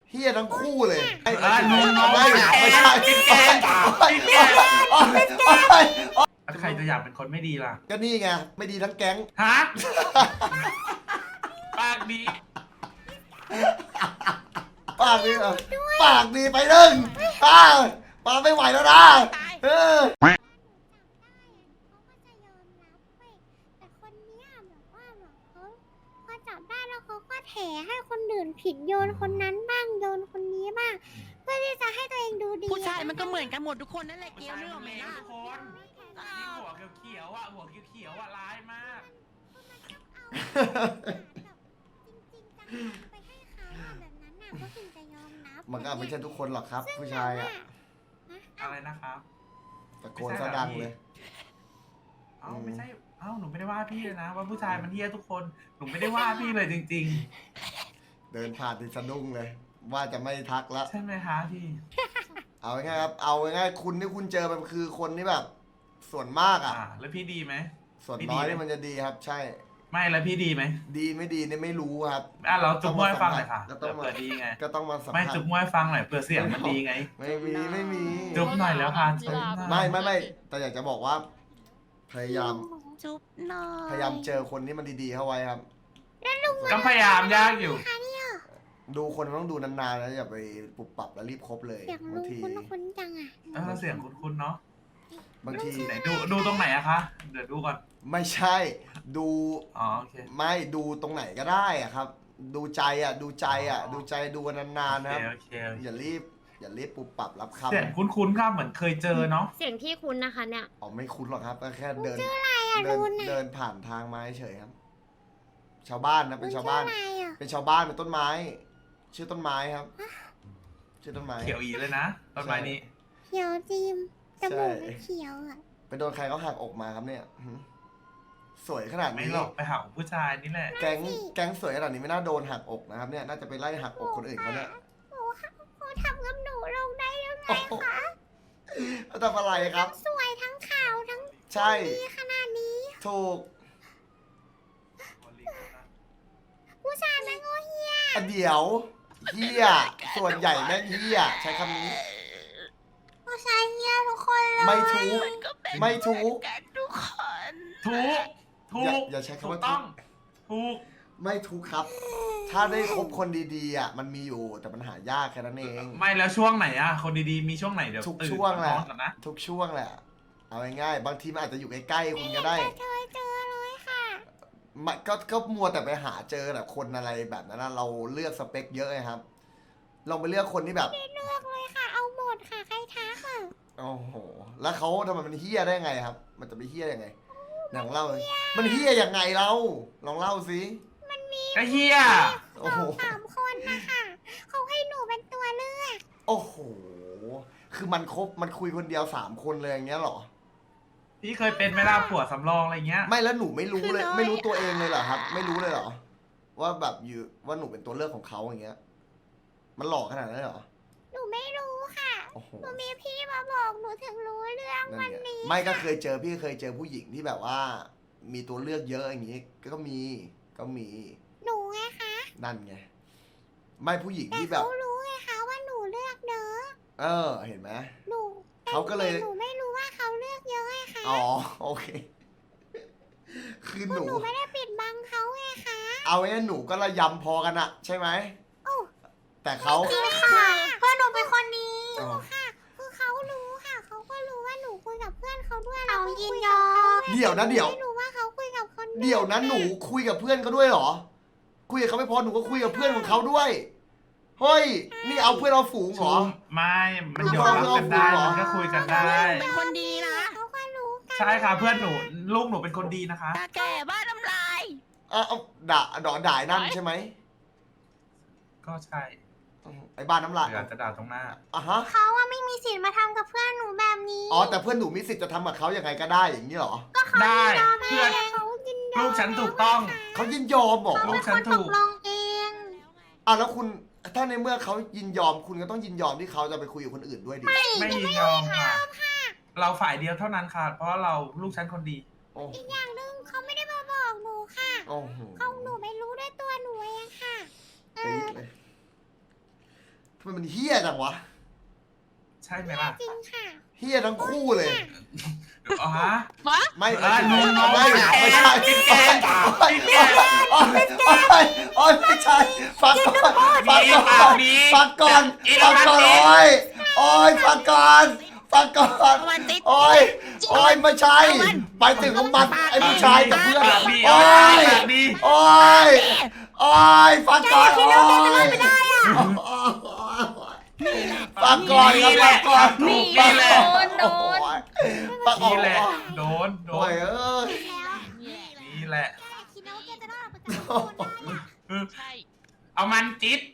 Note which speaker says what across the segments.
Speaker 1: เฮียทั้งคู่เลยไม่ใช่
Speaker 2: ใครจะอยากเป็นคนไม่ดีล่ะ
Speaker 1: ก็นี่ไงไม่ดีทั้งแก๊ง
Speaker 2: ฮะ ปากดี
Speaker 1: ปากดีปากดีไปหนึ่งปากไม่ไหวแล้วนะเออ
Speaker 3: แต่คนเนี้ยแบบว่าแบบเขาพอจับได้แล้วเขาก็แถให้คนอื่นผิดโยนคนนั้นบ้างโยนคนนี้บ้างเพื่อที่จะให้ตัวเองดูดี
Speaker 4: ผู้ชายมันก็เหมือนกันหมดทุกคนนั่นแหละเกล
Speaker 2: ผู้ชาย
Speaker 4: เรื่อง
Speaker 2: มัน
Speaker 4: ไหม
Speaker 2: เลว
Speaker 4: ล่ะ
Speaker 2: ทุกคนยิ่งหัวเขียวๆอ่ะหัวเขียวๆอ่ะร้ายมาก
Speaker 3: จริงๆจังไปให้เขาอะแบบนั้นน่ะก็ถึงจะยอมรับ
Speaker 1: มันก็ไม่ใช่ทุกคนหรอกครับ ผู้ชายอ่ะ
Speaker 2: อะไรนะครับ
Speaker 1: ตะโกนซะดังเลย
Speaker 2: เอ้าไม่ใช่ เอ้าหนูไม่ได้ว่าพี่เลยนะ ว่าผู้ชายมันเฮี้ยทุกคน หนูไม่ได้ว่าพี่เลยจริง
Speaker 1: เดินผ่านติดสะดุ้งเลย ว่าจะไม่ทักแล้ว
Speaker 2: ๆ ใช่ไหมคะพี่
Speaker 1: เอาง่ายๆครับเอาง่ายๆคุณที่คุณเจอมันคือคนที่แบบ ส่วนมากอ่ะ
Speaker 2: แล้วพี่ดีไหม
Speaker 1: ส่วนน้อยนี่มันจะดีครับ ใช่
Speaker 2: ไม่แล้วพี่ดีไหม
Speaker 1: ดีไม่ดีเนี่ยไม่รู้ครับ
Speaker 2: เราจุ๊บมวยฟังหน่อยค่ะ
Speaker 1: ก็ต้องมา
Speaker 2: เผื่อดีไง
Speaker 1: ก็ต้องมาสัม
Speaker 2: ไม่
Speaker 1: ภาษ
Speaker 2: จุ๊บ
Speaker 1: ณ์
Speaker 2: มวยฟังหน่อยเผื่อเสียงมันดีไง
Speaker 1: ไม่มี
Speaker 2: จุ๊บหน่อยแล้วค่ะจุ๊บหน่อย
Speaker 1: ไม่แต่อยากจะบอกว่า พยายาม
Speaker 4: จุ๊บหน่อย
Speaker 1: พยายามเจอคนที่มันดีๆเข้าไว้ครับ
Speaker 2: ก็พยายามยากอยู่
Speaker 1: ดูคนมันต้องดูนานๆนะอย่าไปปุบปับแล้วรีบคบเลย
Speaker 3: อยาก
Speaker 1: บา
Speaker 3: รู้
Speaker 1: งที
Speaker 3: คุ้นๆจังอ่ะ
Speaker 2: เสียงคุ้นๆเนาะ
Speaker 1: บางที
Speaker 2: ไหนดูตรงไหนอะคะ เดี๋ยวดูก่อน
Speaker 1: ไม่ใช่ ดู
Speaker 2: อ๋อโอเค
Speaker 1: ไม่ดูตรงไหนก็ได้อะครับ ดูใจอ่ะ ดูใจอ่ะ ดูใจดูกันนานๆนะครับ
Speaker 2: โอเค
Speaker 1: อย่ารีบปุบปับรับคำ
Speaker 2: เสียงคุ้นๆครับเหมือนเคยเจอเนาะ
Speaker 5: เสียงที่คุ้นนะคะเนี่ย
Speaker 1: อ๋อไม่คุ้นหรอกครับก็แค่เดิน
Speaker 3: ดูน่ะ
Speaker 1: เดินผ่านทางไม้เฉยครับ ชาวบ้านนะเป็นชาวบ้าน
Speaker 3: มันชื่ออะไรอ่ะ
Speaker 1: เป็นชาวบ้านเป็นต้นไม้ ชื่อต้นไม้ครับ ชื่อต้นไม้
Speaker 2: เขียวอีเลยนะต้นไม้นี้
Speaker 3: เขียวจีมจมูก
Speaker 1: ใช่
Speaker 3: เขียวอ่ะ
Speaker 1: ไปโดนใครเขาหักอกมาครับเนี่ยหืมสวยขนาด
Speaker 2: ไม่
Speaker 1: นี้
Speaker 2: หรอกไปหาผู้ชายนี่แหละ
Speaker 1: แก๊งสวยขนาดนี้ไม่น่าโดนหักอกนะครับเนี่ยน่าจะไปไล่หักอกคนอื่นเขาเนี่ย
Speaker 3: โอ้ทำกับหนูลงได้ยังไง
Speaker 1: โอ้โหแล้วทำอะไรครับ
Speaker 3: สวยทั้งขาวทั้ง
Speaker 1: ใช่
Speaker 3: ดีขนาดนี้
Speaker 1: ถูก
Speaker 3: ผู้ชายมันโง่เฮีย
Speaker 1: อ่ะเดี๋ยวเฮียส่วนใหญ่แม่งเฮียใช้คำนี้
Speaker 3: ผู้ชายเฮียทุกคนเลย
Speaker 1: ไม่ถูก
Speaker 4: มันก็เป็น
Speaker 1: ไม่ถูก
Speaker 4: กันทุกคน
Speaker 2: ถูก
Speaker 1: อย่าใช้คำว่า
Speaker 2: ถูกต้องถูก
Speaker 1: ไม่ถูกครับ ถ้าได้คบคนดีๆอ่ะมันมีอยู่แต่มันหายากแค่นั้นเอง
Speaker 2: ไม่แล้วช่วงไหนอะคนดีๆมีช่วงไหนเดี๋ยว
Speaker 1: ทุก
Speaker 2: ตื่น
Speaker 1: ช่วงแหละ
Speaker 2: นอนก่อนนะ
Speaker 1: ทุกช่วงแหละ เอาง่ายๆบางทีมันอาจจะอยู่ใกล้ๆคุณก็ได้
Speaker 3: เคยเจอเลยค่ะ
Speaker 1: มันก็มัวแต่ไปหาเจอแบบคนอะไรแบบนั้นนะเราเลือกสเปคเยอะไงครับลองไปเลือกคนที่แบบ
Speaker 3: เลือกเลยค่ะ เอาหมดค่ะ ใครทักอ่ะ
Speaker 1: โอ้โหแล้วเขาทำไมมันเฮี้ยได้ไงครับ มันจะไปเฮี้ยยังไงลองเล่าเลยมันเฮี้ยยังไงเราลองเล่าสิ
Speaker 2: ก็เฮีย
Speaker 1: โอ้โห
Speaker 3: 3 คนนะคะเขาให้หนูเป็นตัวเลือก
Speaker 1: โอ้โหคือมันคุยคนเดียว3 คนเลยอย่างเงี้ยเหรอ
Speaker 2: พี่เคยเป็นไหมล่ะผัวสำรองอะไรเงี้ย
Speaker 1: ไม่แล้วหนูไม่รู้เลย ไม่รู้ตัวเองเลยเหรอครับ ไม่รู้เลยเหรอ ว่าแบบอยู่ว่าหนูเป็นตัวเลือกของเขาอย่างเงี้ย มันหลอกขนาดนั้นเหรอ
Speaker 3: หนูไม่รู้ค่ะ
Speaker 1: โอ้โห
Speaker 3: หนูมีพี่มาบอกหนูถึงรู้เรื่อง
Speaker 1: นั่น
Speaker 3: วัน
Speaker 1: ไง
Speaker 3: นี้
Speaker 1: ไม่ก็เคยเจอพี่เคยเจอผู้หญิงที่แบบว่า มีตัวเลือกเยอะอย่างงี้ ก็มี
Speaker 3: หนูไงคะ
Speaker 1: นั่นไง ไม่ผู้หญิง
Speaker 3: แต่
Speaker 1: ที่แบบ
Speaker 3: เขารู้ไงคะว่าหนูเลือกเยอะ
Speaker 1: เออ เห็นไหม
Speaker 3: หนู
Speaker 1: เขาก็เลย
Speaker 3: แต่หนูไม่รู้ว่าเขาเลือกเยอะไงคะ
Speaker 1: อ๋อโอเค คือหนู
Speaker 3: หนูไม่ได้ปิดบังเขาไงคะ
Speaker 1: เอาไว้หนูก็ระยำพอกันอะใช่ไหม
Speaker 3: โอ้
Speaker 1: แต่เขา
Speaker 3: จริงค่ะเพื่อนหนูเป็นคนดี
Speaker 1: อ๋อ
Speaker 3: ค่ะ คือเขารู้ค่ะ เขาก็รู้ว่าหนูคุยกับเพื่อนเขาด้วย
Speaker 4: เอา
Speaker 3: แล้วก็
Speaker 4: ยิ
Speaker 3: คุ
Speaker 4: น
Speaker 3: ย
Speaker 4: ย
Speaker 3: กับ
Speaker 4: อ
Speaker 3: เขา
Speaker 4: ม
Speaker 1: เดี๋ยวนะเดี๋ยว
Speaker 3: ไม่รู้ว่าเขาคุยกับคน
Speaker 1: เดี๋ยวนะหนูคุยกับเพื่อนเขาด้วยเหรอ คุยกับเขาไม่พอหนูก็คุยกับเพื่อนของเขาด้วย เฮ้ย นี่เอาเพื่อนเอาฝูงเหรอ
Speaker 2: ไม่ มันยอมรับกันได้ มันก็คุยกันได้
Speaker 4: เป็นคนดีนะ
Speaker 3: เขาก็รู้กัน
Speaker 2: ใช่ค่ะเพื่อนหนูลูกหนูเป็นคนดีนะคะ
Speaker 4: ตาแก่บ้านน้ำลาย
Speaker 1: เอาด่าไอ้นั่นใช่ไหม
Speaker 2: ก็ใช่
Speaker 1: ไอ้บ้านน้ำลาย
Speaker 2: เดี๋ยวจะด่าตรงหน้า
Speaker 1: อ่ะฮะ
Speaker 3: เขาว่าไม่มีสิทธิ์มาทำกับเพื่อนหนูแบบนี้
Speaker 1: อ๋อแต่เพื่อนหนูมีสิทธิ์จะทำกับเขายังไงก็ได้อย่างนี้เหรอ
Speaker 2: ได้เพื่อน
Speaker 3: เขายินยอม
Speaker 2: ลูกฉันถูกต้อง
Speaker 1: เขายินยอมบอก
Speaker 2: ลูกฉันถูก
Speaker 3: ลงเอง
Speaker 1: อ่ะแล้วคุณถ้าในเมื่อเขายินยอมคุณก็ต้องยินยอมที่เขาจะไปคุยกับคนอื่นด้วยดิ
Speaker 2: ไม่ยินยอมค่ะ เราฝ่ายเดียวเท่านั้นค่ะ เพราะเราลูกฉันคนดี
Speaker 1: โอ้
Speaker 3: อีกอย่างหนึ่งเขาไม่ได้มาบอกหนูค่ะ
Speaker 1: โอ้โห
Speaker 3: เขาหนูไม่รู้ด้วยตัวหนูเองค่ะ
Speaker 1: ปี๊ดเลยทำไมมันเฮี้ยจังวะ
Speaker 2: ใช่ไหมล่ะ
Speaker 3: จริงค่ะ
Speaker 1: เฮี้ยทั้งคู่เลย
Speaker 2: อ๋อฮะ
Speaker 1: ไม่
Speaker 2: เออน้องน้อง
Speaker 1: ไม่ใช่
Speaker 2: พี่แกน
Speaker 1: โอ๊ยไม่ใช่ฟังก่อนฟังก่อนฟังก่อนฟังก่อนโอ๊ยฟังก่อนฟังก่อนโอ๊ยไม่ใช่ไปถึงของมันไอ้ผู้ชายกับเพื่อนโอ๊ยโอ๊ยฟังก่อนโอ๊ยฟังก่อนครับฟังก่อน
Speaker 2: นี่
Speaker 1: ฟัง
Speaker 2: แหละ
Speaker 1: ก่อน
Speaker 3: โดน
Speaker 1: ฟังก่อ
Speaker 2: นี่
Speaker 1: น
Speaker 2: แหละโดน
Speaker 1: โอ้ยเอ้ย
Speaker 3: แล้ว
Speaker 2: นี่แหละ
Speaker 3: แกคิดนะว่าแกจะรอดประกันตัวได้อะ
Speaker 4: ใช่
Speaker 2: เอามันจิต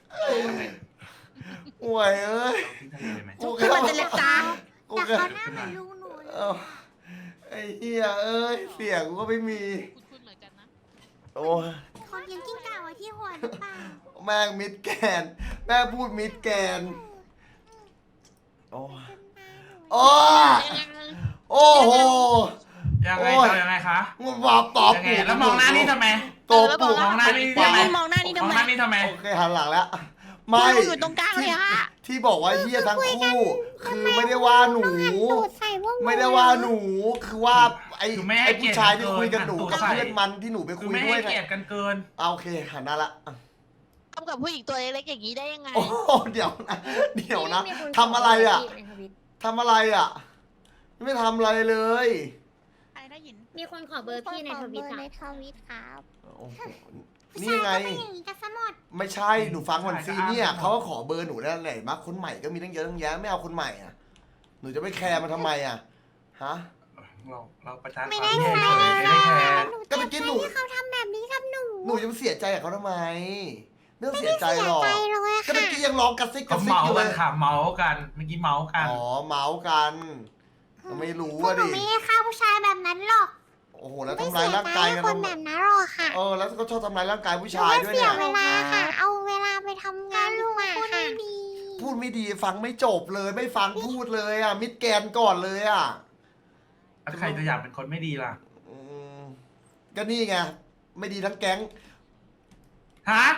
Speaker 1: โอ้ยเอ้ย
Speaker 2: ทิ้งทะเลเลยไหม
Speaker 1: กู
Speaker 4: ขึ้นมาเจรจา
Speaker 1: กู
Speaker 3: แต่
Speaker 1: ก็
Speaker 3: เขาหน้าเหมือนลุงหนูเลย
Speaker 1: เอ้าไอ้เหี้ยเอ้ยเสียงกูก็ไม่มี
Speaker 4: คุณเหมือนกันนะ
Speaker 1: โอ้ย
Speaker 3: เขาเลี้ยงกิ้งก่าไว้ที่หัวหรือเปล่า
Speaker 1: แม่งมิดแกนแม่งพูดมิดแกนโอ้ยโอ้ยโอ้โห
Speaker 2: ยังไง
Speaker 1: โอ้ย
Speaker 2: จะยังไงคะ
Speaker 1: มึงมาตอบ
Speaker 2: ยังไง
Speaker 1: กู
Speaker 2: แล้วมองหน้านี่ทำไม
Speaker 1: ตบกู
Speaker 2: มองหน้านี่
Speaker 4: พี่
Speaker 2: ทำไม
Speaker 4: มองหน้านี่
Speaker 2: ม
Speaker 4: ทำ
Speaker 2: อง
Speaker 4: ไม
Speaker 2: หน้านี่ทำไม
Speaker 1: โอเคหันหลังแล้ว
Speaker 4: ไม่
Speaker 1: ไม่
Speaker 4: อยู่ตรงกลางเลยอะ
Speaker 1: ที่บอกว่าเฮียทั้งคู่คือไม่ได้ว่าหนู
Speaker 3: ตูดใส่พวก
Speaker 1: ไม่ได้ว่าหนูคือว่าไอ้
Speaker 2: คือไม่ให้
Speaker 1: ไอ้ผู้ชายที่คุยกับหนู
Speaker 2: เกียรติ
Speaker 1: กับ
Speaker 2: เกิน
Speaker 1: เพื่อนมันที่หนูไป
Speaker 2: คื
Speaker 1: คุ
Speaker 2: อย ไม่
Speaker 1: ด้ว
Speaker 2: ให้
Speaker 1: ยไง
Speaker 2: เกียรติกันเกิน
Speaker 1: เอาโอเคหันหน้าละ
Speaker 4: ทำกับผู้หญิงตัวเล็กๆอย่างนี้ได้ยังไง
Speaker 1: โอ้โหเดี๋ยวนะทำอะไรอ่ะทำอะไรอ่ะ ไม่ทำอะไรเลย
Speaker 4: ใครได้ยิน
Speaker 5: มีคนขอเบอร์พี่ในทวิต
Speaker 3: ใน
Speaker 5: อ่ะ
Speaker 3: ทวิตครับ
Speaker 1: โอ้โหนี่ไง
Speaker 3: ผู้ชายก็เป็นอย่างนี้กันซะหมด
Speaker 1: ไม่ใช่หนูฟังก่อนซีเนี่ยเขาก็ขอเบอร์หนูแล้วแหละมาคนใหม่ก็มีตั้งเยอะตั้งแยะไม่เอาคนใหม่อ่ะหนูจะไปแคร์มันทำไมอ่ะฮะ
Speaker 2: เราประจาน
Speaker 3: ไม่
Speaker 2: ควา
Speaker 3: ได้
Speaker 2: ม
Speaker 3: ใคร
Speaker 2: เฉยๆไม่ได้แคร์
Speaker 3: หนู
Speaker 1: ก็เมื่อกี้หนู
Speaker 3: ที่เขาทำแบบนี้กับหนู
Speaker 1: หนูจะไปเสียใจกับเขาทำไมไม่ต้องเสียใจหรอก
Speaker 3: ใจเลย
Speaker 1: ก็
Speaker 3: ค่ะ
Speaker 1: เมื่อกี้ยังร้องกระซิกก
Speaker 2: ก็
Speaker 1: ระซิก
Speaker 2: เมา
Speaker 1: อยู่เล
Speaker 2: กัน
Speaker 1: ย
Speaker 2: ค่ะเมากันเมื่อกี้เมากัน
Speaker 1: อ๋อเมาส์กันก็ไม่รู้
Speaker 3: พวก
Speaker 1: อ่ะ
Speaker 3: หนู
Speaker 1: ดิ
Speaker 3: ไม่ได้ฆ่าผู้ชายแบบนั้นหรอก
Speaker 1: โอ้โหแล้ว
Speaker 3: ไม่
Speaker 1: ทำร้ายร่างกาย
Speaker 3: เสี
Speaker 1: กัน
Speaker 3: ใจให้คนแบบนั้นหรอกค่ะ
Speaker 1: แล้วก็ชอบทำร้ายร่างกายผู้
Speaker 3: หนู
Speaker 1: ชาย
Speaker 3: ว่า
Speaker 1: ด้วย
Speaker 3: เสี
Speaker 1: เนี่ย ย
Speaker 3: เวลาค่ะ เอาเวลาไปทำงานดีกว่าค่ะ
Speaker 1: พูดไม่ดีฟังไม่จบเลยไม่ฟังพูดเลยอ่ะมิดแกนก่อนเลยอ่ะ
Speaker 2: แล้วใครจะอยากเป็นคนไม่ดีล่ะ
Speaker 1: อืมก็นี่ไงไม่ดีทั้งแก๊ง
Speaker 2: ฮะ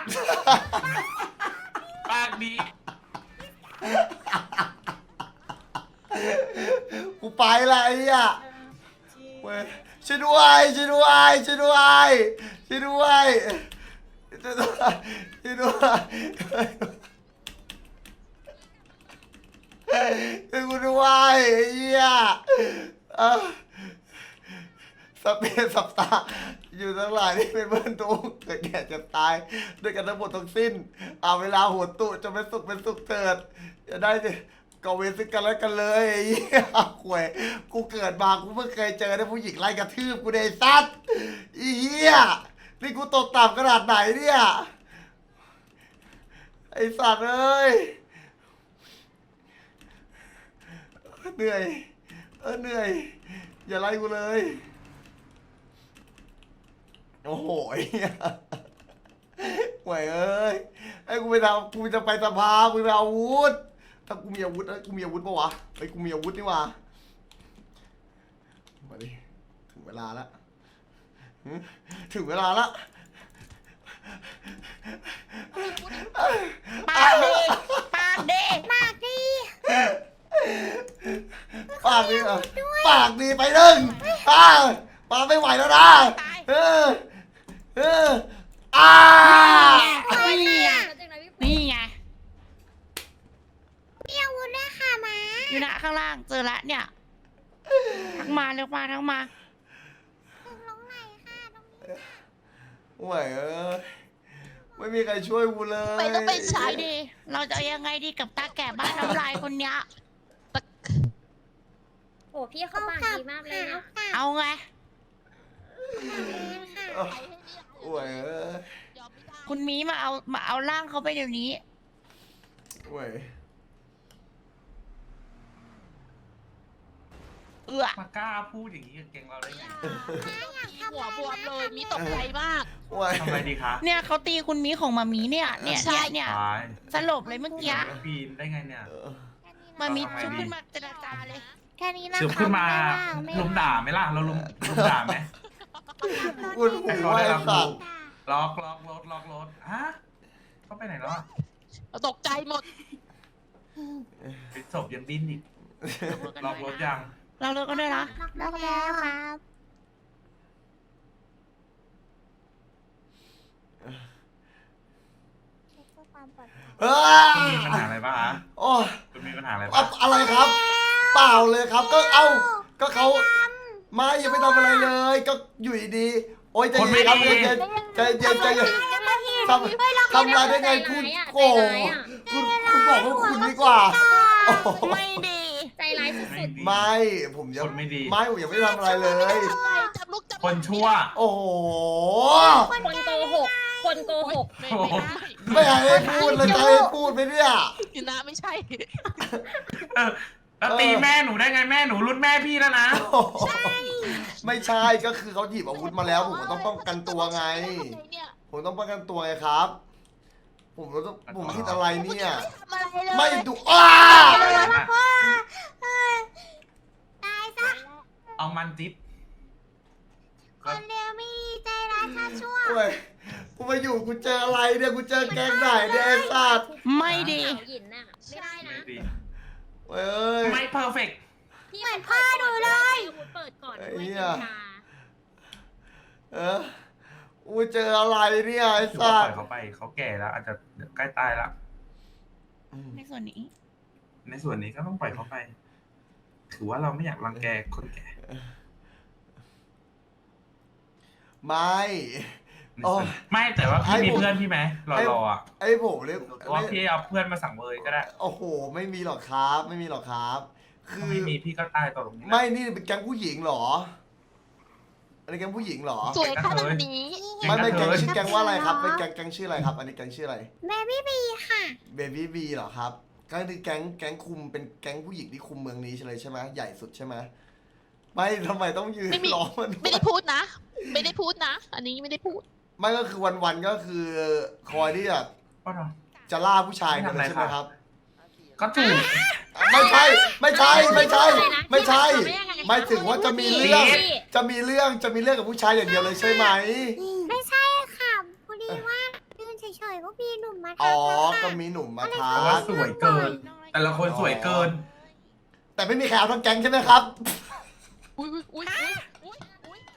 Speaker 2: ปากดี
Speaker 1: กูไปละไอ้เนี่ยเว้ยช่วยด้วยช่วยด้วยช่วยด้วยช่วยด้วยช่วยด้วยช่วยด้วยช่วยกูด้วยไอ้เหี้ยสเปซสับตาอยู่ทั้งหลายที่เป็นเพื่อนทุกข์เกิดแก่เจ็บตายด้วยกันทั้งหมดทั้งสิ้นเอาเวลาหัวตุจะเป็นสุขเถิดจะได้ก็เวรซึ่งกันและกันเลยไอ้เหี้ยข่วยกูเกิดมากูเพิ่งเคยเจอได้ผู้หญิงไล่กระทืบกูในซัดไอ้เหี้ยนี่กูตกต่ำขนาดไหนเนี่ยไอ้สัตว์เอ้ยเหนื่อยเหนื่อยอย่าไล่กูเลยโอ้โหไอ้เหี้ยห่วยเอ้ยไอ้กูจะไปสภากูไปเอาอาวุธถ้ากูมีอาวุธกูมีอาวุธปะวะไอ้กูมีอาวุธนี่วะมาดิถึงเวลาละถึงเวลาละ
Speaker 4: ปากดีปากดี
Speaker 3: ปากดี
Speaker 1: ปากดีปากดีไปหนึ่งปากไม่ไหวแล้วนะอ้า
Speaker 4: นี่ไงนี่ไง
Speaker 3: มีอาวุธด้วยค่ะหมา
Speaker 4: อยู่นะข้างล่างเจอละเนี่ยทั้งมาเร็วมาทั้งมา
Speaker 3: ถึงลงไหนค่ะตรงนี้
Speaker 1: ห่วยเอ้ยไม่มีใครช่วยกูเลย
Speaker 4: ไปต้องเป็นชายดี เราจะยังไงดีกับตาแก่บ้านน้ำลายคนเนี้ย
Speaker 5: โอ้พี่เขาปากดีมากเลยนะ
Speaker 4: เอาไง
Speaker 1: ห่วยเอ้ย
Speaker 4: คุณมีมาเอาร่างเขาไปเดี๋ยวนี้
Speaker 1: ห่วย
Speaker 2: มากล้าพูดอย่างนี้กับเก่งเราได้ไง
Speaker 4: หัวบวมเลยมีตกใจมาก
Speaker 1: ห่วย
Speaker 2: ทำไมดีคะ
Speaker 4: เนี่ยเขาตีคุณมีของมามีเนี่ยเนี่ย
Speaker 2: ตาย
Speaker 4: สลบเลยเมื่อกี้
Speaker 2: ปีนได้ไงเนี่ย
Speaker 4: มามีชุบขึ้นมาเจรจาเลย
Speaker 3: แค่นี้นะ
Speaker 2: สืบขึ้นมา
Speaker 3: ไม่
Speaker 2: ลุมด่าไหมล่ะ เราลุมด่าไหม
Speaker 1: กูหูไอ้สัตว์
Speaker 2: ล็อกรถฮะเขาไปไหนแล้วอะ
Speaker 6: ตกใจหมด
Speaker 2: เป็นศพยังดิ้นอีก
Speaker 4: ล็
Speaker 2: ล็อกรถยัง
Speaker 4: เราเลิกกันด้วยนะ
Speaker 3: ล็อกแล้วครับเช็คเพื่อความปลอดภัย
Speaker 1: เฮ้
Speaker 2: คุณ
Speaker 1: ย
Speaker 2: มีปัญหาอะไรป่ะฮะ
Speaker 1: โอ้ย
Speaker 2: คุณมีปัญหาอะไร
Speaker 1: อะ
Speaker 2: ป่ะ
Speaker 1: อะไรครับ เปล่าเลยครับ ก็เอ้าก็เขาไม่ยังไม่ทำอะไรเลย ก็อยู่ดีๆโอ้ยใจเย็นครับใจเย็นใจเย็นใจเย็นทำอะไรได้ไงพูดโอ้คุณบอกว่าคุณดีกว่าโอ้โห
Speaker 4: ไม่ดี
Speaker 5: ใจร้ายสุด
Speaker 1: ไม่ผมยัง
Speaker 2: คนไม่ดี
Speaker 1: ไม่ผมยังไม่ทำอะไรเลย
Speaker 6: จับลูกจับ
Speaker 2: คนชั่ว
Speaker 1: โอ้โห
Speaker 5: ๆ คนโกหก คนโกหก
Speaker 6: ไม่
Speaker 1: ไม่ให้พูดเลยจะให้พูดไหมเนี่ย
Speaker 6: กินนะไม่ใช่
Speaker 2: แล้วตีแม่หนูได้ไงแม่หนูรุ่นแม่พี่แล้วนะ
Speaker 1: ไม่ใช่ก็คือเขาหยิบอาวุธมาแล้วผมก็ต้องป้องกันตัวไง ผมต้องป้องกันตัวไงครับ ผมคิดอะไรเนี่ย
Speaker 6: ทำอะไรเลย
Speaker 1: ไม่ดูอ้า
Speaker 3: ตายซะ
Speaker 2: เอามันจิ๊บ
Speaker 3: คนเร็วไม่ดีใจร้ายถ้าชั่ว
Speaker 1: เว้ยกูมาอยู่กูเจออะไรเนี่ยกูเจอแก๊งไหนเนี่ยไอ้สัตว์
Speaker 4: ไม่ดี
Speaker 5: สาวหยินน่ะ ไม่ได้นะ
Speaker 2: ไม่ดี
Speaker 1: เว้ย
Speaker 2: ไม่เพอร์เฟก
Speaker 5: พี่เหมือนพ่อหนูเลยเปิดก่อน
Speaker 1: ไอ้
Speaker 5: ด้วย
Speaker 1: เหี้
Speaker 5: กั
Speaker 1: ย
Speaker 5: ญชา
Speaker 1: กูเจออะไรเนี่ยไอ้
Speaker 2: ถือว่า
Speaker 1: สั
Speaker 2: ป
Speaker 1: ต
Speaker 2: ล่อย
Speaker 1: ว์
Speaker 2: เขาไปเขาแก่แล้วอาจจะเดี๋ยวใกล้ตายแล้ว
Speaker 4: ในส่วนนี้
Speaker 2: ในส่วนนี้ก็ต้องปล่อยเขาไป ถือว่าเราไม่อยากรังแกคนแก่
Speaker 1: ไม่
Speaker 2: ในส่วนไม่แต่ว่าพี่มีเพื่อนพี่ไหมรออ่ะ
Speaker 1: ไอ้ผมเนี่ย
Speaker 2: หรือว่าพี่เอาเพื่อนมาสั่งเบยก็ได้
Speaker 1: โอ้โหไม่มีหรอกครับ ไม่มีหรอกครับ คื
Speaker 2: ถ้า
Speaker 1: อ
Speaker 2: ไม่มีพี่ก็ตายต่อตรงนี้นะ
Speaker 1: ไม่นี่เป็นแก๊งผู้หญิงเหรออันนี้แก๊งผู้หญิงเหรอ
Speaker 6: สวยขนาดนี้
Speaker 1: ไม่ไม่แก๊งชื่อ
Speaker 3: เ
Speaker 1: แก๊งว่าอะไรครับเป็นแก๊งชื่ออะไรครับ อันนี้แก๊งชื่ออะไร
Speaker 3: บบี้บีค่ะ
Speaker 1: เบบี้บีเหรอครับก็คือแก๊งคุมเป็นแก๊งผู้หญิงที่คุมเมืองนี้ใช่เลยใช่ไหมใหญ่สุดใช่ไหมไม่ทำไมต้องยืน
Speaker 6: ไม่มี
Speaker 1: ล้อมัน
Speaker 6: ไม่ได้พูดนะ ไม่ได้พูดนะ อันนี้ไม่ได้พูด
Speaker 1: ไม่ก็คือวันๆก็คือคอยที่แบบ
Speaker 2: ก็เนาะ
Speaker 1: จะล่าผู้ชายกันเลยใช่ไหมครับ
Speaker 2: ก็ถูก
Speaker 1: ไม่ใช่ไม่ใช่ไม่ใช่ไม่ใช่ไม่ถึงว่าจะมีเรื่อง
Speaker 5: พี่
Speaker 1: จะมีเรื่องกับผู้ชายอย่างเดียวเลยใช่ไหม
Speaker 3: ไม่ใช่ค่ะพอดีว่ายืนเฉยๆก็มีหนุ่มมา
Speaker 1: อ๋อ
Speaker 3: ทักนะคะ
Speaker 1: ก็มีหนุ่มมา
Speaker 2: เพ
Speaker 1: ทั
Speaker 2: ราะว่าก สวยเกิน แต่ละคนสวยเกิน
Speaker 1: แต่ไม่มีใครเอาทั้งแก๊งใช่ไหมครับ
Speaker 6: อุ้ยอุ้ยอุ้ยอุ้ย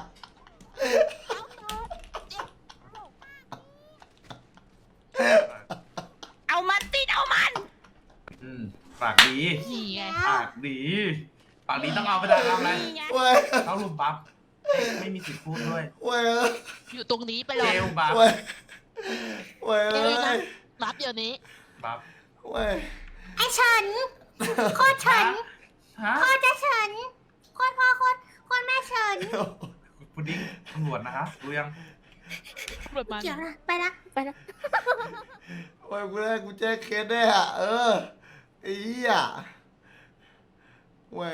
Speaker 4: เอามันติดเอามัน
Speaker 2: อืมปากดี
Speaker 6: นี่ไง
Speaker 2: ปากดี ปากดีต้องเอาไปได้ทำอะไร
Speaker 4: นี่ไง
Speaker 1: เว้ย
Speaker 2: เขาลุมบัฟไม่มีสิทธิ์พูดด้วย
Speaker 1: เว้ย
Speaker 6: อยู่ตรงนี้ไปเล
Speaker 2: เจ
Speaker 6: ย
Speaker 2: ลบัฟ
Speaker 1: เว้ยเว้ย
Speaker 6: เจลนะรับเดี๋ยวนี้
Speaker 2: บัฟ
Speaker 1: เว้ย
Speaker 3: ไอ้เฉินโคตรเฉิน
Speaker 2: ฮะ
Speaker 3: โคตรจะเฉินโคตรพ่อโคตรแม่เฉิน
Speaker 2: พุดดิ้งตำรวจนะคะรู้ยัง
Speaker 6: ตำรวจมา
Speaker 3: เกี่ยวละไปละไปละ
Speaker 1: เว้ยกูแจ้งเคสได้อะไอ้เหี้ยเว้ย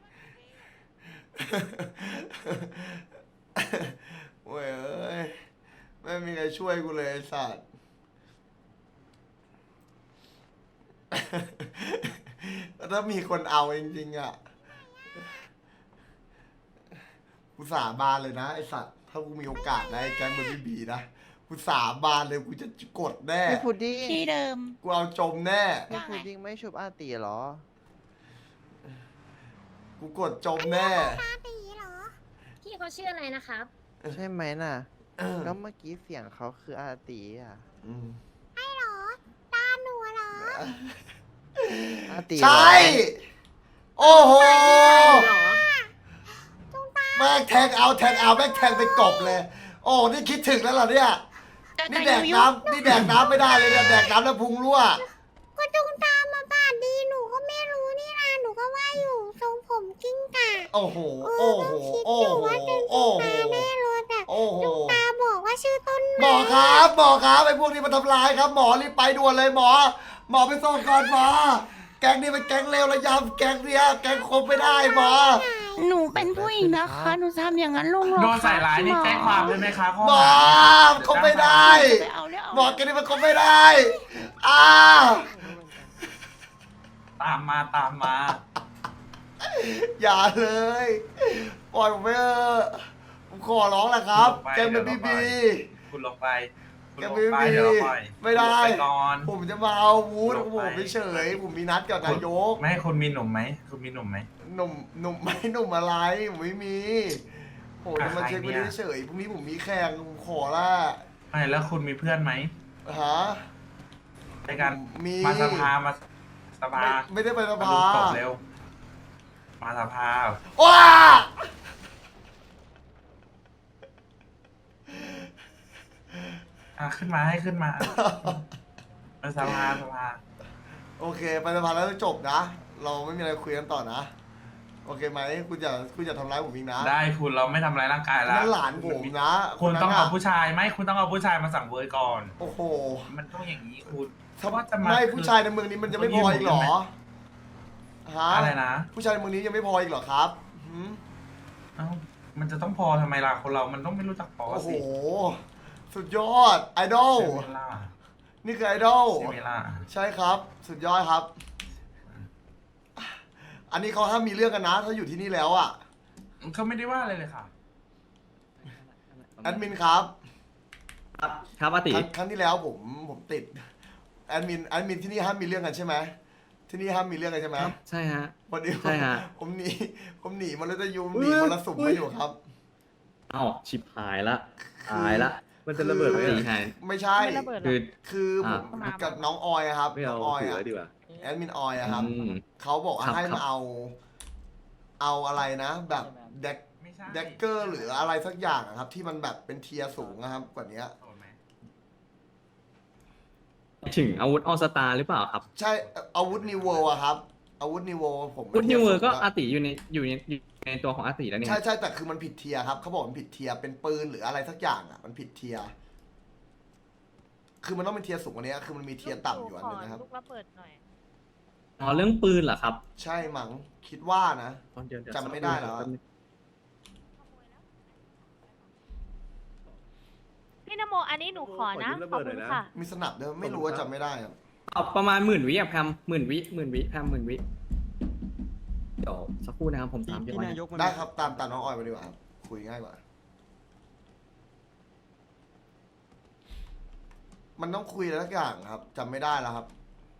Speaker 1: เว้ยเอ้ยไม่มีใครช่วยกูเลยไอ้สัตว์ ถ้ามีคนเอาจริงๆอ่ะกูสาบานเลยนะไอสัตว์ถ้ากูมีโอกาสได้แก๊งมันไม่บีนะกูสาบานเลยกูจะกดแน่
Speaker 7: พี่พุดดิ้ง
Speaker 4: ที่เดิม
Speaker 1: กูเอาจมแน่
Speaker 7: พี่พุดดิ้งไม่ชุบอาตีเหรอ
Speaker 1: กูกดจมแน่
Speaker 3: ตาตีเหรอ
Speaker 5: พี่เขาชื่ออะไรนะครับ
Speaker 7: ใช่ไหมน่ะ ก็เมื่อกี้เสียงเขาคืออาตีอ่ะ
Speaker 1: อืม
Speaker 3: ไอ้เหรอ ตาหนูเหรอ
Speaker 7: อาตี
Speaker 1: ใช่ โอ้โห
Speaker 5: หรอ
Speaker 1: แม่งแทงเอาแม่งแทงไปกบเลย โอ้นี่คิดถึงแล้วเหรอเนี่ย นี่แดกน้ำไม่ได้เลยเนี่ยแดกน้ำแล้วพุงรั่ว
Speaker 3: ก็จุงตามมาบ้านดีหนูก็ไม่รู้นี่นะหนูก็ว่าอยู่ทรงผมกิ้งก่า
Speaker 1: โอ้โห โอ้โห โอ้โห โอ้โห
Speaker 3: แน่เลยแต่
Speaker 1: โอ้โห
Speaker 3: ตาบอกว่าชื่อต้น
Speaker 1: หมอครับไอ้พวกนี้มาทำร้ายครับ หมอรีบไปด่วนเลยหมอไปส่งก่อนหมอ แก๊งนี้เป็นแก๊งเลวระยำแก๊งเนี้ยแก๊งคบไม่ได้หมอ
Speaker 4: หนูเป็นผู้หญิงนะคะ หนูทำอย่างนั้นลงหรอ
Speaker 2: โดนใส่ร้ายนี่แจ้งความเลยไหมคะข้อ
Speaker 1: หมอ
Speaker 2: หา
Speaker 1: คบไม่ได้
Speaker 4: ไปเอาเรื่อง
Speaker 1: หมอแก๊งนี้มันคบไม่ได้อ้า
Speaker 2: ตามมา
Speaker 1: อย่าเลยปล่อยผมไปเถอะผมขอร้องแหละครับ แก๊งเป็นบีบี
Speaker 2: คุณลงไปคุณ
Speaker 1: แก
Speaker 2: ลง
Speaker 1: ไม่
Speaker 2: ไป
Speaker 1: มี
Speaker 2: เดี๋ยวเราปล่อย
Speaker 1: ไม่ได้
Speaker 2: ลงไปก่อน
Speaker 1: ผมจะมาเอาวูด
Speaker 2: ลง
Speaker 1: ผม
Speaker 2: ไป
Speaker 1: เฉยๆผมมีนัดกับนายก
Speaker 2: ไม่ให้คุณมีหนุ่มไหมคุณมีหนุ่มไหม
Speaker 1: หนุ่มไม่หนุ่มอะไรผมไม่มีโหจะมา
Speaker 2: ใคร
Speaker 1: เช็ค
Speaker 2: เนี่
Speaker 1: ไม่
Speaker 2: ย
Speaker 1: ได้เฉยพรุ่งนี้ผมมีแข่งผมขอละ
Speaker 2: ไม่แล้วคุณมีเพื่อนไหม
Speaker 1: ฮะ
Speaker 2: ในการ
Speaker 1: มี
Speaker 2: มาสภามาสภา
Speaker 1: ไม่ได้ไปส
Speaker 2: มา
Speaker 1: ภา
Speaker 2: ดูตบเร็ว มาสภา
Speaker 1: ว้า
Speaker 2: ขึ้นมาให้ขึ้นมามาสภาสภา
Speaker 1: โอเคไปสภาแล้วจบนะ เราไม่มีอะไรคุยกันต่อนะ โอเคไหมคุณอย่าทำร้ายผมอีกนะ
Speaker 2: ได้คุณเราไม่ทำร้ายร่างกายแล้ว
Speaker 1: นั่นหลานผมนะ
Speaker 2: คุณต้อง
Speaker 1: น
Speaker 2: เอา
Speaker 1: นั้น
Speaker 2: ผู้ชายไม่คุณต้องเอาผู้ชายมาสั่งเวอร์ก่อน
Speaker 1: โอ้โห
Speaker 2: มันต้องอย่างนี้คุณ
Speaker 1: ถ้า
Speaker 2: ว่าจะมา
Speaker 1: ไม่ผู้ชายในเมืองนี้มันจะไม่พออีกเหรอฮะ
Speaker 2: อะไรนะ
Speaker 1: ผู้ชายในเมืองนี้ยังไม่พออีกเหรอครับหืม
Speaker 2: เอ้ามันจะต้องพอทำไมล่ะคนเรามันต้องไม่รู้จักพอ
Speaker 1: โอ้โห
Speaker 2: สิ
Speaker 1: สุดยอดไอดอล
Speaker 2: ใช่ไหมล่ะ
Speaker 1: นี่คือไอดอล
Speaker 2: ใช่ไหมล่ะ
Speaker 1: ใช่ครับ สุดยอดครับ อันนี้เขาห้ามมีเรื่องกันนะ ถ้าอยู่ที่นี่แล้วอ่ะ
Speaker 2: เขาไม่ได้ว่าอะไรเลยค่ะ
Speaker 1: แอดมินครับ
Speaker 8: ครับอาติ
Speaker 1: ครั้งที่แล้วผมติดแอดมินที่นี่ห้ามมีเรื่องกันใช่ไหมที่นี่ห้ามมีเรื่องกันใช่ไหม
Speaker 8: ครับใช่ฮะ
Speaker 1: วันนี้
Speaker 8: ใช่ฮะ
Speaker 1: ผมหนีมันเลยจะยุมหนีมันละสุ่มมาอยู่ครับ
Speaker 8: เอ้าชิบหายละตายละมันจะระเบิดไหมตีหาย
Speaker 1: ไม่ใช่
Speaker 5: ไม่ระเบิดหร
Speaker 8: คือ
Speaker 1: คือผม
Speaker 8: อ่า
Speaker 1: กับน้องออยอะครับ
Speaker 8: ไม่
Speaker 1: น้
Speaker 8: เอา
Speaker 1: องออย
Speaker 8: ถือ
Speaker 1: อะ
Speaker 8: ไว้ดีกว่า
Speaker 1: แอดมินออยอะครับ
Speaker 8: อืม
Speaker 1: เขาบอกว่า
Speaker 8: ครับ
Speaker 1: ให้
Speaker 8: ครั
Speaker 1: มา
Speaker 8: บ
Speaker 1: เอาอะไรนะ แบบเด็ก
Speaker 2: ไม่ใช่
Speaker 1: เด็กเกอร์หรืออะไรสักอย่างอะครับ ที่มันแบบเป็นเทียร์สูงนะครับ กว่านี้
Speaker 2: โสดไหม
Speaker 8: ถึงอาวุธออสตาหรือเปล่าครับ
Speaker 1: ใช่อาวุธนิวเวลอะครับอาวุธนิวเวลผม
Speaker 8: อาวุธนิวเวอร์ก็
Speaker 1: ทีย
Speaker 8: อา
Speaker 1: สูง
Speaker 8: ติอยู่ในตัวของอาติแล้ว
Speaker 1: อะ
Speaker 8: เนี่ย
Speaker 1: ใช่แต่คือมันผิดเทียร์ครับเขาบอกมันผิดเทียร์เป็นปืนหรืออะไรสักอย่างอะมันผิดเทียร์คือมันต้องเป็นเทียร์สูงกว่านี้คือมันมีเทียร์ต่ำอยู่อันนึงนะครับ
Speaker 5: ลูกระเบิดหน่อย
Speaker 8: อ๋อเรื่องปืนเหรอครับ
Speaker 1: ใช่มั้งคิดว่านะ
Speaker 8: เดี๋ยว
Speaker 1: จำไม่ได้แล้วอะ
Speaker 5: พี่นโมอันนี้หนูขอนะ ขอบคุณค่ะ
Speaker 1: มีสนับด้วยไม่รู้ว่าจำไม่ได้อะ
Speaker 8: เอาประมาณ10,000 วิอะแพม10,000 วิแพม10,000 วิเดี๋ยวสักครู่นะครับผมตามพี่ไว้
Speaker 1: ได้ครับตามน้องออยมาดีกว่าครับคุยง่ายกว่า มันต้องคุยอะไรสักอย่างครับจำไม่ได้แล้วครับ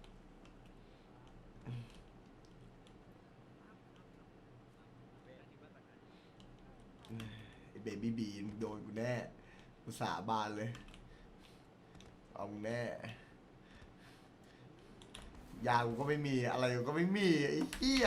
Speaker 1: ไอ้เบบี้บีมโดนกูแน่กูสาบานเลย เอามึงแน่ ยากูก็ไม่มีอะไรกูก็ไม่มีไอ้เหี้ย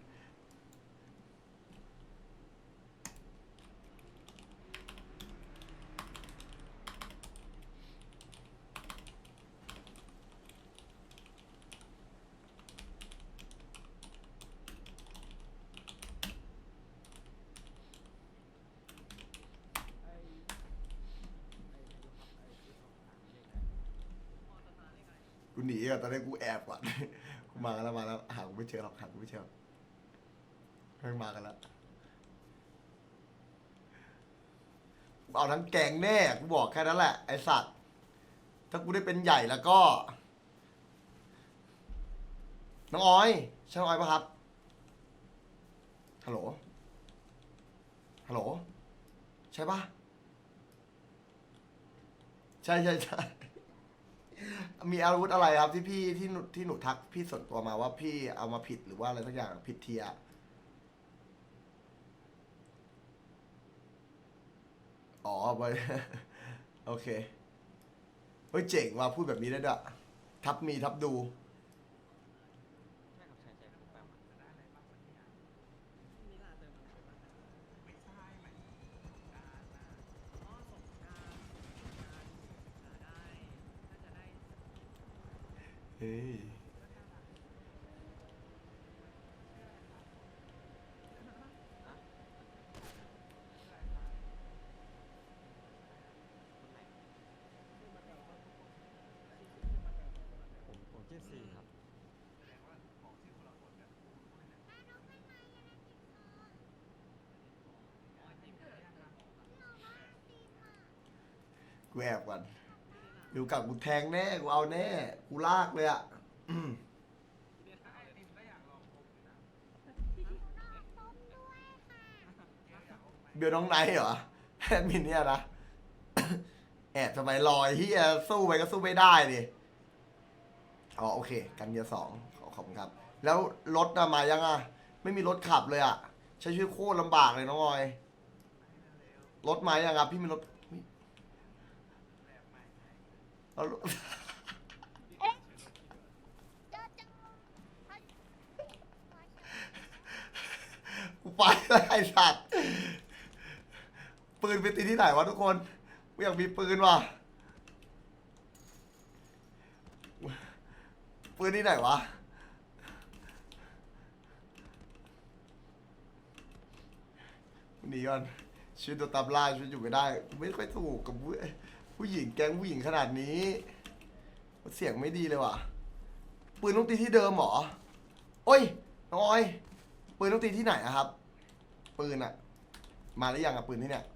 Speaker 1: กูหนีอ่ะตอนนี้กูแอบก่อน กูมาแล้วหากูไม่เจอหรอกหากูไม่เจอหรอกไม่มากันแล้วกูเอาทั้งแกงแน่กูบอกแค่นั้นแหละไอสัตว์ถ้ากูได้เป็นใหญ่แล้วก็ น้องออยใช่น้องออยปะครับฮัลโหลฮัลโหลใช่ปะใช่มีอาวุธอะไรครับที่พี่ที่หนูทักพี่ส่วนตัวมาว่าพี่เอามาผิดหรือว่าอะไรสักอย่างผิดเทียร์อ๋อไป โอเคเฮ้ยเจ๋งว่ะพูดแบบนี้ได้ด้วยทับมีทับดูเฮ้ยกูแอบก่อนดูกับกูแทงแน่กูเอาแน่กูลากเลยอ่ะ เบลน้องไนท์เหรอแอดมินเนี่ยนะแอบทำไมลอยที่สู้ไปก็สู้ไม่ได้ดิอ๋อโอเค กันเกียร์สองขอบคุณครับ แล้วรถมายังอ่ะ ไม่มีรถขับเลยอ่ะ ใช้ชีวิตโคตรลำบากเลยน้องออย รถมายังครับพี่มีรถเอารถ กูไปแล้วไอ้สัตว์ปืนไปตีที่ไหนวะทุกคนกูอยากมีปืนว่ะปืนที่ไหนวะหนีก่อนชีวิตตัวตามล่าชีวิตอยู่ไม่ได้ไม่ค่อยถูกกับผู้หญิงแก๊งผู้หญิงขนาดนี้เสียงไม่ดีเลยว่ะปืนต้องตีที่เดิมเหรอโอ้ยน้องออยปืนต้องตีที่ไหนอะครับ ปืนอะมาหรือยังอะปืนที่เนี่ย